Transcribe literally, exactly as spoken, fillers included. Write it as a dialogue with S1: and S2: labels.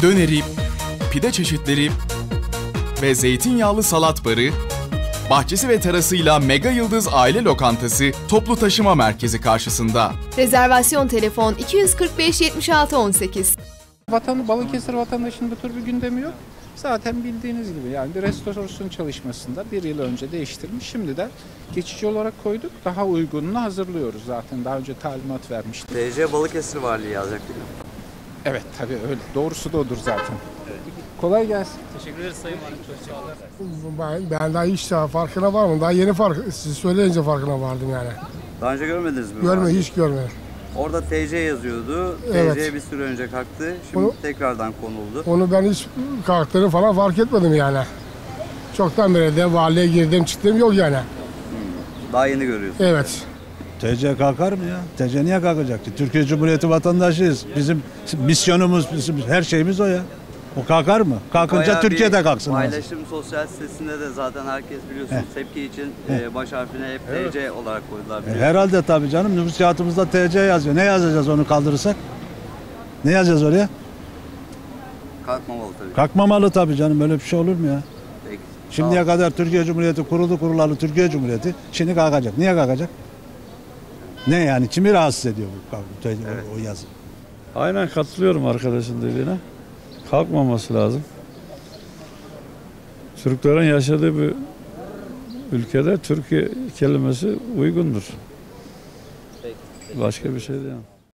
S1: döneri, pide çeşitleri ve zeytinyağlı salat barı, bahçesi ve terasıyla Mega Yıldız Aile Lokantası toplu taşıma merkezi karşısında.
S2: Rezervasyon telefon iki yüz kırk beş yetmiş altı on sekiz.
S3: Vatanı, Balıkesir vatandaşının bu tür bir gündemi yok. Zaten bildiğiniz gibi yani bir restorasyon çalışmasında bir yıl önce değiştirmiş. Şimdi de geçici olarak koyduk. Daha uygununu hazırlıyoruz zaten. Daha önce talimat vermiştik.
S4: T C Balıkesir Valiliği yazacak değil mi?
S3: Evet tabii öyle. Doğrusu da odur zaten. Evet. Kolay gelsin.
S5: Teşekkür ederiz Sayın Valim. Çok sağ olun.
S6: Ben, ben daha hiç daha farkına varmadım. Daha yeni fark, siz söyleyince farkına vardım yani.
S4: Daha önce görmediniz mi?
S6: Görme, hiç görmedim.
S4: Orada T C yazıyordu.
S6: Evet.
S4: T C bir süre önce kalktı. Şimdi onu, tekrardan konuldu.
S6: Onu ben hiç kalktığını falan fark etmedim yani. Çoktan beri de valiye girdim çıktım yok yani.
S4: Hmm. Daha yeni görüyorsunuz.
S6: Evet.
S7: T C kalkar mı ya? T C niye kalkacak ki? Türkiye Cumhuriyeti vatandaşıyız. Bizim misyonumuz, bizim her şeyimiz o ya. O kalkar mı? Kalkınca
S4: Bayağı
S7: Türkiye'de kalksın.
S4: Paylaşım sosyal sitesinde de zaten herkes biliyorsunuz Heh. tepki için Heh. baş harfine hep evet. T C olarak koydular.
S7: E, herhalde tabii canım. Nüfus kağıtımızda T C yazıyor. Ne yazacağız onu kaldırırsak? Ne yazacağız oraya?
S4: Kalkmamalı tabii.
S7: Kalkmamalı tabii canım. Böyle bir şey olur mu ya?
S4: Peki.
S7: Şimdiye kadar Türkiye Cumhuriyeti kuruldu kurulalı Türkiye Cumhuriyeti. Şimdi kalkacak. Niye kalkacak? Ne yani? Kimi rahatsız ediyor bu evet. o yazı?
S8: Aynen katılıyorum arkadaşın dediğine. Kalkmaması lazım. Türklerin yaşadığı bir ülkede Türkiye kelimesi uygundur. Başka bir şey değil.